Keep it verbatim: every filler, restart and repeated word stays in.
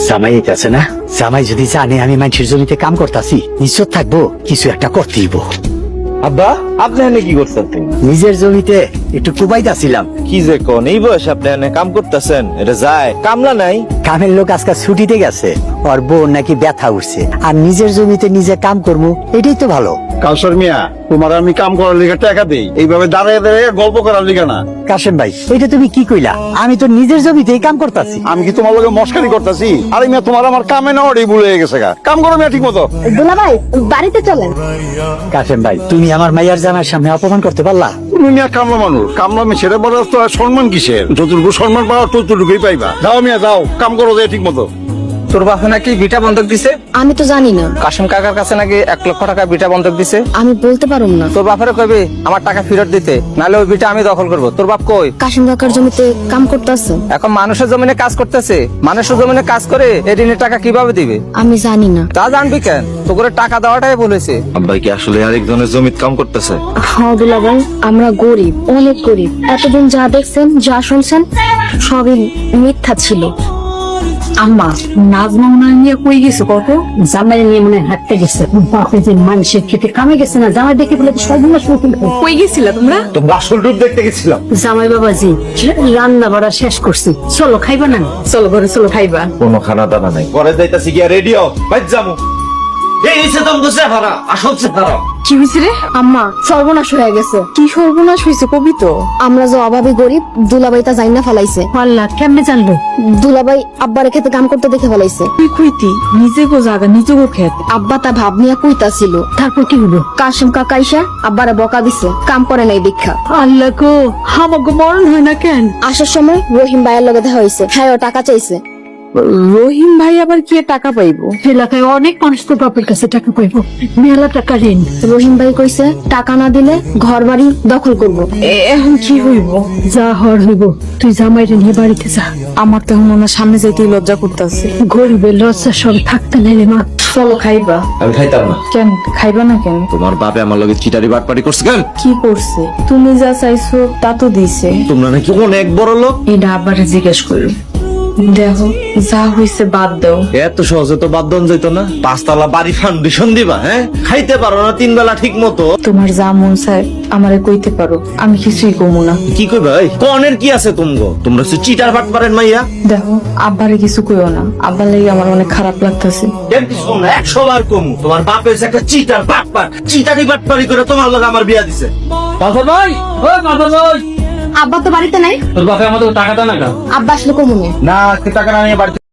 জামাই আছে না, জামাই যদি জানে আমি মানুষের জমিতে কাম করতেছি, নিশ্চয় থাকবো কিছু একটা করতেইব। আব্বা আপনি এনে কি করছেন? নিজের জমিতে একটু কুবাইতাছিলাম। কি যে কোন এই বয়সে আপনি এনে কাম করতেছেন? এটা যায় কামলা নাই? কামের লোক আজকাল ছুটিতে গেছে, ওর বউ নাকি ব্যথা উঠছে, আর নিজের জমিতে নিজে কাম করবো, এটাই তো ভালো। কাউসার মিয়া, তোমার আমি কাম করার লিগে টাকা দেই, এইভাবে দাঁড়িয়ে দাঁড়িয়ে গল্প করার লিগে না। কাশেম ভাই, এটা তুমি কি কইলা? আমি তো নিজের জমিতেই কাম করতেছি। আমি কি তোমার লগে মস্কারি করতেছি? আরে মিয়া, তোমার আমার কামে না ওটাই ভুলে গেছে গা। কাম করো মিয়া ঠিক মতো। দুলা ভাই বাড়িতে চলেন। কাশেম ভাই, তুমি আমার মাইয়ার জামার সামনে অপমান করতে পারলা? তুমি মিয়া কামলা মানুষ, কামলা মেয়ে সেটা বলার তো আর সম্মান কিসের? যতটুকু সম্মান পাওয়া ততটুকুই পাইবা। যাও মিয়া যাও, কাম করো যে ঠিক মতো। তোর বাপে নাকি বিটা বন্ধক দিছে? আমি তো জানি না, কাশিম কাকার কাছে নাকি এক লক্ষ টাকা বিটা বন্ধক দিছে। আমি বলতে পারুম না। তোর বাপের কইবি আমার টাকা ফেরত দিতে, নাহলে ওই বিটা আমি দখল করব। তোর বাপ কই? কাশিম কাকার জমিতে কাম করতেছে। এখন মানুষের জমিনে কাজ করতেছে, মানুষের জমিনে কাজ করে এই ঋণের টাকা কিভাবে দিবে? আমি জানি না। তা জানবি কেন? তো করে টাকা দেওয়াটাই বলেছে। আব্বাই কি আসলে আরেকজনের জমিত কাম করতেছে? হ্যাঁ দুলা ভাই, আমরা গরিব, অনেক গরিব। এতদিন যা দেখছেন, যা শুনছেন, সবই মিথ্যা ছিল। আম্মা, নাজমা মনে হয় নিয়ে কই গেছে? কত জামাই নিয়ে মনে হয় হাঁটতে গেছে। বাপে যে মানুষের খেতে কামে গেছে না, জামাই দেখে বলে সর্বনাশ নতুন। কই গেছিলা তোমরা? তোমরা আসল রূপ দেখতে গেছিলাম। জামাই বাবাজি রান্না বাড়া শেষ করছি, চলো খাইবা না? চলো ঘরে চলো খাইবা। কোনো খানা দানা নাই। পরে যাইতাছি গিয়া রেডিও বাইর যামু। এই সে দম দসে ভাড়া আসল সে ভাড়া। কি হয়েছে রে? আম্মা, সর্বনাশ হয়ে গেছে। কি সর্বনাশ হয়েছে কবি তো? আমরা যে অভাবী গরিব, দুলাভাই তা জাইনা ফেলাইছে। আল্লাহ, কেমনে জানলো? দুলাভাই আব্বারে খেতে কাম করতে দেখে ফেলাইছে। তুই কইতি নিজে গো জাগা নিজে গো খেত। আব্বা তা ভাব নিয়ে কইতা ছিল। তারপর কি হলো? কাশিম কাকা আইসা আব্বারে বকা দিছে, কাম করে নাই দীক্ষা। আল্লাহ গো, আমাকে মরণ হয় না কেন? আসার সময় রহিম ভাইয়ের লগে দেখা হয়েছে, হ্যাঁ ও টাকা চাইছে। রহিম ভাই আবার কি টাকা পাইবো? এলাকায় অনেক মানুষ তো বাপের কাছে টাকা পাইবো, মেলা টাকা ঋণ। রহিম ভাই কইছে টাকা না দিলে ঘর বাড়ি দখল করবো। এখন কি হইব? যা হর হইব, তুই জামাইরে নিয়ে বাড়িতে যা। আমার তো মনে সামনে যাইতে লজ্জা করতেছে। গরিবের লজ্জা সব থাকতে নাইলে মা। চলো খাইবা। আমি খাইতাম না। কেন খাইবা না কেন? তোমার বাপে আমার লগে চিটারি বাটপাটি করছে কেন? কি করছে? তুমি যা চাইছো তা তো দিছে। তোমরা নাকি অনেক বড় লোক। এটা আবারে জিজ্ঞেস করো। দেখো যা হইছে বাদ দাও। এত সহজে তো বাদ দন যাইতো না। পাঁচতলা বাড়ি ফাউন্ডেশন দিবা, হ্যাঁ? খাইতে পারো না তিন বেলা ঠিক মতো। তোমার যা মন চায় আমারে কইতে পারো, আমি কিছুই কমু না। কি কই ভাই? কনের কি আছে তুমগো? তোমরা হচ্ছে চিটার বাটপারেন মাইয়া। দেখো আব্বারে কিছু কইও না, আব্বার লাগি আমার অনেক খারাপ লাগতেছে। দেখি শোন, একশো বার কমু। তোমার বাপে হচ্ছে একটা চিটার বাটপার, চিটারি বাটপারি করে তোমার লগে আমার বিয়া দিছে। কাফর ভাই, ও কাফর ভাই, আব্বা তো বাড়িতে নাই। তোর বাপে আমাদের টাকা দাও না। আব্বা আসলে কমুনে। না, টাকা না নিয়ে বাড়ি